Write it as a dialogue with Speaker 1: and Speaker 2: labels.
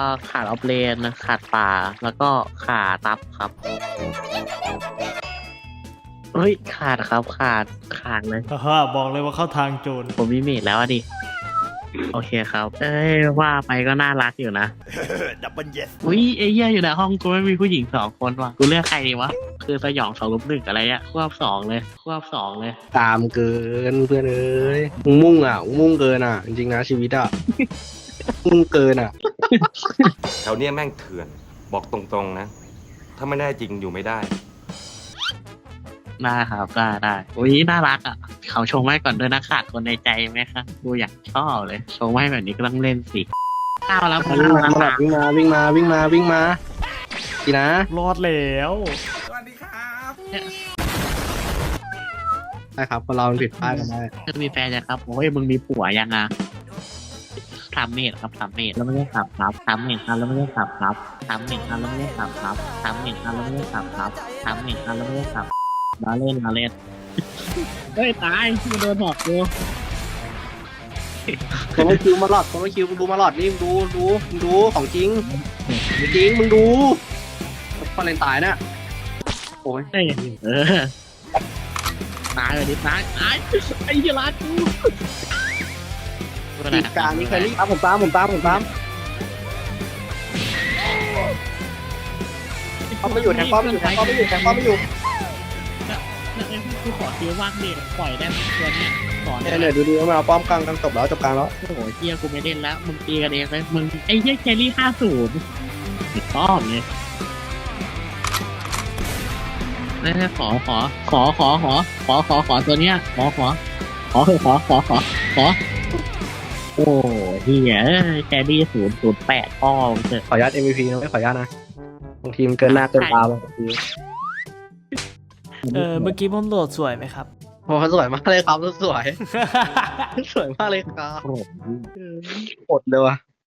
Speaker 1: ขาดออฟเลนขาดป่าแล้วก็ขาดตับครับเฮ้ยขาดครับขาดเลย
Speaker 2: ฮ่าบอกเลยว่าเข้าทางโจร
Speaker 1: ผมมีเมดแล้วอะดิโอเคครับเอ้ยว่าไปก็น่ารักอยู่นะ
Speaker 3: ดับเบิลเยส
Speaker 1: อุ้ยไอ้เหี้ยอยู่ในห้องกูไม่มีผู้หญิง2 คนว่ะกูเลือกใครดีวะคือสยอง2-1อะไรเงี้ยควบ2เลย
Speaker 4: ตามเกินเพื่อนเอ้ยมึงมุ่งอ่ะมึงมุ่งเกินอ่ะจริงๆนะชีวิตอ่ะ มุ่งเกินอ่ะ
Speaker 5: แถวเนี้ยแม่งเถื่อน บอกตรงๆนะ ถ้าไม่ได้จริงอยู่ไม่ได้
Speaker 1: ได้ครับได้อุ้ยน่ารักอ่ะเขาชงไว้ก่อนด้วยนะขาดคนในใจไหมครับกูอยากชอบเลยชงไว้แบบนี้ก็ต้องเล่นสิข้าวแล้ว
Speaker 4: วิ่งมาวิ่งมาดีนะ
Speaker 2: รอดแล้ว
Speaker 3: สวัสดีครับ
Speaker 4: ได้ครับคนเรามันผิดพลาดกันได้
Speaker 1: จะมีแฟนยังครับโอ้ยมึงมีผัวยังอ่ะทำเมดครับทำเมดแล้วไม่ได้ขับครับทำเมดครับแล้วไม่ได้ขับครับทำเมดครับแล้วไม่ได้ขับครับทำเมดครับแล้วไม่ได้ขับครับทำเมดครับแล้วไม่ได้ขับมาเล่นเฮ้ยตายมันโดนหอกกู
Speaker 4: คนไม่คิวมาหลอดคนไม่คิวมึงดูมาหลอดนี่มึงดูของจริงมึงดูพอเลนตายน่ะโอ้ย
Speaker 1: เฮ้ยตายเลยดิตายไอ้เหี้ยร้านกู
Speaker 4: อีกการนี้เคยรีบผมตามเขาไม่อยู่แทงป้อมไม่อยู่
Speaker 1: กูขอคิวว่างเด็ปล่อยได้ตัวนี้สอน
Speaker 4: เนี่ยดูมาเอาป้อมกลางจบแล้วจบกลางแล้ว
Speaker 1: โอ้โหเฮียกูไม่เล่นแล้วมึงตีกันเองเลยมึงไอ้เฮียแครี่50ติดต้อมเลยนี่ขอตัวเนี้ยขอโอ้เฮียแครี่008พ่อเถอะ
Speaker 4: ขออนุญาต MVP นะไม่ขออนุญาตนะบางทีมันเกินหน้าเกินตาบางที
Speaker 2: เมื่อกี้ผมโหลดสวยไหมครับ
Speaker 4: โอ้สวยมากเลยครับสวยมากเลยครับ
Speaker 1: โอ้โห
Speaker 4: อดเลยว่ะ